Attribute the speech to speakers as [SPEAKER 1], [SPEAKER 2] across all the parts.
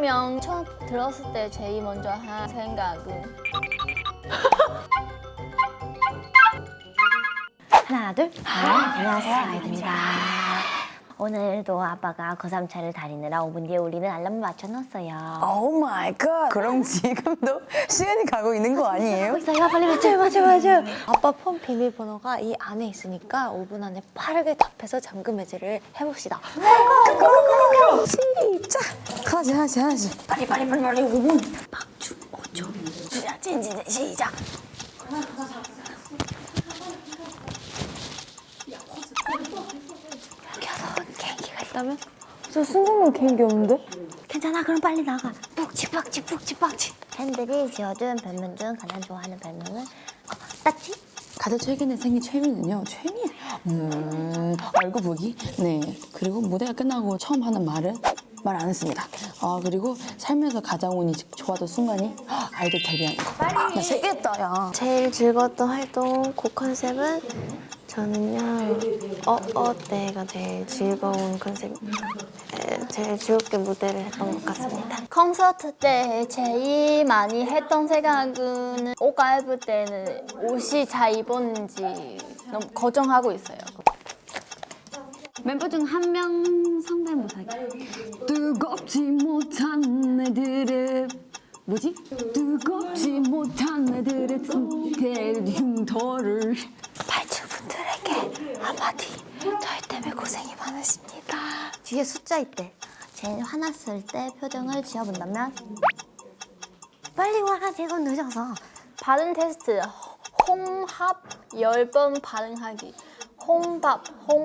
[SPEAKER 1] 그러면 처음 들었을 때 제일 먼저 한 생각은?
[SPEAKER 2] 하나, 둘. 안녕하세요, 아이들입니다. 오늘도 아빠가 고3차를 다니느라 5분 뒤에 울리는 알람을 맞춰놨어요.
[SPEAKER 3] 오 마이 갓. 그럼 지금도 시간이 가고 있는 거 아니에요?
[SPEAKER 2] 있어요, 빨리 맞춰요.
[SPEAKER 4] 아빠 폰 비밀번호가 이 안에 있으니까 5분 안에 빠르게 답해서 잠금 해제를 해봅시다.
[SPEAKER 3] 시작. 하나씩. 빨리 5분.
[SPEAKER 2] 박주, 5초. 시작. 여섯 개인기가 있다면?
[SPEAKER 4] 저 순간만 개인기 없는데?
[SPEAKER 2] 괜찮아, 그럼 빨리 나가. 푹치. 팬들이 지어준 별명 중 가장 좋아하는 별명은 따치?
[SPEAKER 3] 가장 최근에 생긴 최민은요. 알고 보기. 네. 그리고 무대가 끝나고 처음 하는 말은 말 안 했습니다. 그리고 살면서 가장 운이 좋았던 순간이 아이돌 데뷔하는 거. 나 세겠다, 야.
[SPEAKER 4] 제일 즐거웠던 활동 곡 컨셉은 저는요 때가 제일 즐거운 컨셉, 제일 즐겁게 무대를 했던 것 같습니다.
[SPEAKER 1] 콘서트 때 제일 많이 했던 생각은 옷 갈아입을 때는 옷이 잘 입었는지 너무 걱정하고 있어요.
[SPEAKER 5] 멤버 중 한 명 성대모사기. 뜨겁지 못한 애들의 뭐지? 뜨겁지 못한 애들의 흉터를.
[SPEAKER 2] 발주분들에게 한마디. 저희 때문에 고생이 많으십니다. 뒤에 숫자 있대. 제일 화났을 때 표정을 지어본다면? 빨리 와, 지금 늦어서.
[SPEAKER 1] 발음 테스트 홍합 10번 발음하기. 홍밥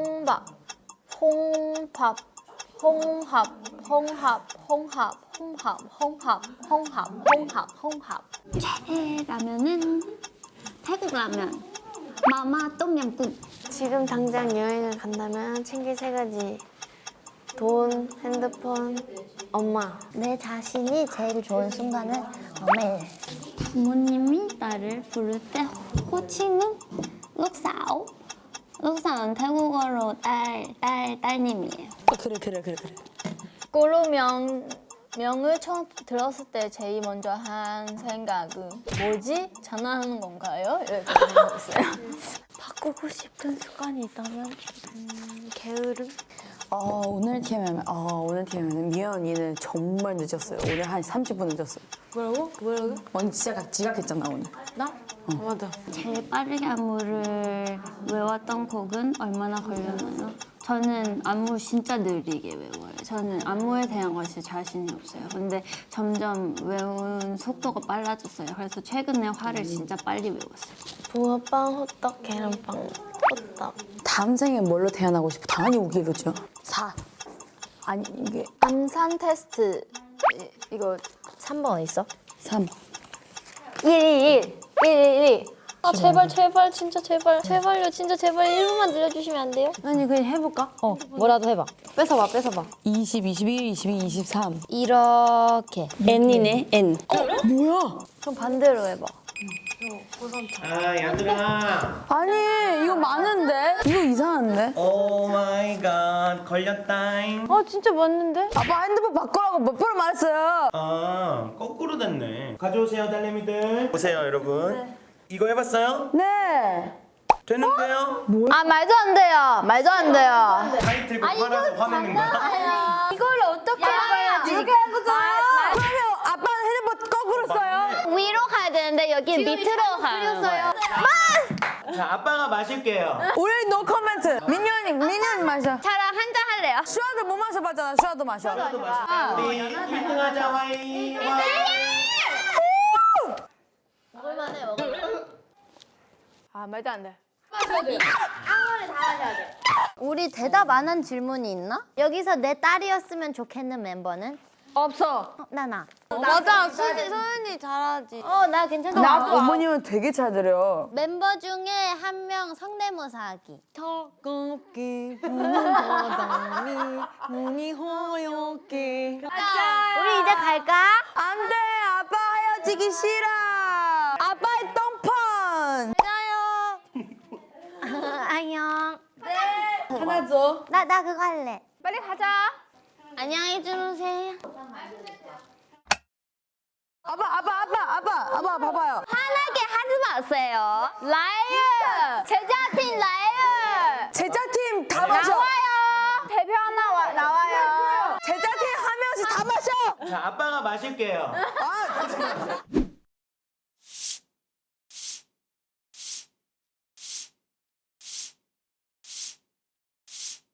[SPEAKER 5] 라면은 태국 라면. 마마 똠얌꿍.
[SPEAKER 4] 지금 당장 여행을 간다면 챙길 3가지. 돈, 핸드폰, 엄마.
[SPEAKER 2] 내 자신이 제일 좋은 순간은 매일.
[SPEAKER 5] 부모님이 나를 부를 때 호칭은 룩사오. 룩사오는 태국어로 딸님이에요.
[SPEAKER 3] 그래.
[SPEAKER 1] 명을 처음 들었을 때 제일 먼저 한 생각은 뭐지? 장난하는 건가요? 이렇게 생각했어요.
[SPEAKER 4] 바꾸고 싶은 습관이 있다면 게으름?
[SPEAKER 3] 오늘 TMI는 미연 언니는 정말 늦었어요. 오늘 한 30분 늦었어요.
[SPEAKER 4] 뭐라고?
[SPEAKER 3] 언니 진짜 지각했잖아, 오늘.
[SPEAKER 4] 나? 맞아.
[SPEAKER 5] 제일 빠르게 안무를 외웠던 곡은 얼마나 걸렸나요? 저는 안무 진짜 느리게 외워요. 저는 안무에 대한 것이 자신이 없어요. 근데 점점 외운 속도가 빨라졌어요. 그래서 최근에 화를 진짜 빨리 외웠어요.
[SPEAKER 4] 붕어빵, 호떡, 계란빵, 호떡.
[SPEAKER 3] 다음 생에 뭘로 태어나고 싶어? 당연히 우기로죠. 4. 아니, 이게
[SPEAKER 1] 암산 테스트 이거
[SPEAKER 2] 3번 어디 있어?
[SPEAKER 3] 3.
[SPEAKER 1] 111
[SPEAKER 4] 아 제발 진짜 제발요 진짜 제발 1분만 늘려주시면 안 돼요?
[SPEAKER 2] 아니 그냥 해볼까? 뭐라도 해봐. 뺏어봐.
[SPEAKER 3] 20, 21, 22, 23.
[SPEAKER 2] 이렇게.
[SPEAKER 5] N이네, N.
[SPEAKER 3] 뭐야?
[SPEAKER 1] 그럼 반대로 해봐.
[SPEAKER 6] 아, 얘들아.
[SPEAKER 3] 아니, 이거 많은데? 이거 이상한데?
[SPEAKER 6] 오 마이 갓. 걸렸다잉.
[SPEAKER 4] 진짜 맞는데?
[SPEAKER 3] 아빠 핸드폰 바꾸라고 몇 번을 말했어요.
[SPEAKER 6] 아, 거꾸로 됐네. 가져오세요, 딸내미들. 보세요, 여러분. 이거 해봤어요?
[SPEAKER 3] 네.
[SPEAKER 6] 됐는데요?
[SPEAKER 1] 아 말도 안 돼요.
[SPEAKER 6] 타이틀곡 팔아서 화내는 거야?
[SPEAKER 1] 이걸 어떻게 해봐야지?
[SPEAKER 3] 이렇게 한 거잖아. 그러면 아빠는 핸드폰 거꾸로 써요?
[SPEAKER 1] 위로 가야 되는데 여기 밑으로 가는 거예요.
[SPEAKER 6] 자, 아빠가 마실게요.
[SPEAKER 3] 우리 노 코멘트. 민현이 마셔.
[SPEAKER 1] 저랑 한잔 할래요.
[SPEAKER 3] 슈아도 못 마셔봤잖아. 슈아도 마셔.
[SPEAKER 6] 우리 1등 하자, 와이.
[SPEAKER 1] 아 말도 안 돼.
[SPEAKER 2] 우리 대답 안 한 질문이 있나? 여기서 내 딸이었으면 좋겠는 멤버는?
[SPEAKER 1] 없어.
[SPEAKER 2] 나나.
[SPEAKER 4] 맞아 소연이 잘하지.
[SPEAKER 2] 나 괜찮아.
[SPEAKER 3] 나 어머님은 되게 잘 들어요.
[SPEAKER 2] 멤버 중에 한 명 성대모사 하기.
[SPEAKER 4] 차갑게 부는 바람이 문이 허옇게.
[SPEAKER 2] 우리 이제 갈까?
[SPEAKER 3] 안 돼. 아빠 헤어지기 싫어. 아빠의 똥펀.
[SPEAKER 2] 안녕.
[SPEAKER 3] 하나 줘.
[SPEAKER 2] 나 그거 할래.
[SPEAKER 1] 빨리 가자.
[SPEAKER 2] 안녕히 주무세요.
[SPEAKER 3] 아빠 봐봐요.
[SPEAKER 2] 화나게 하지 마세요.
[SPEAKER 1] 라이어! 제자팀 라이어!
[SPEAKER 3] 제자팀 다 마셔.
[SPEAKER 1] 나와요! 대표 하나 나와요.
[SPEAKER 3] 제자팀 한 명씩 다 마셔.
[SPEAKER 6] 자, 아빠가 마실게요.
[SPEAKER 3] 아,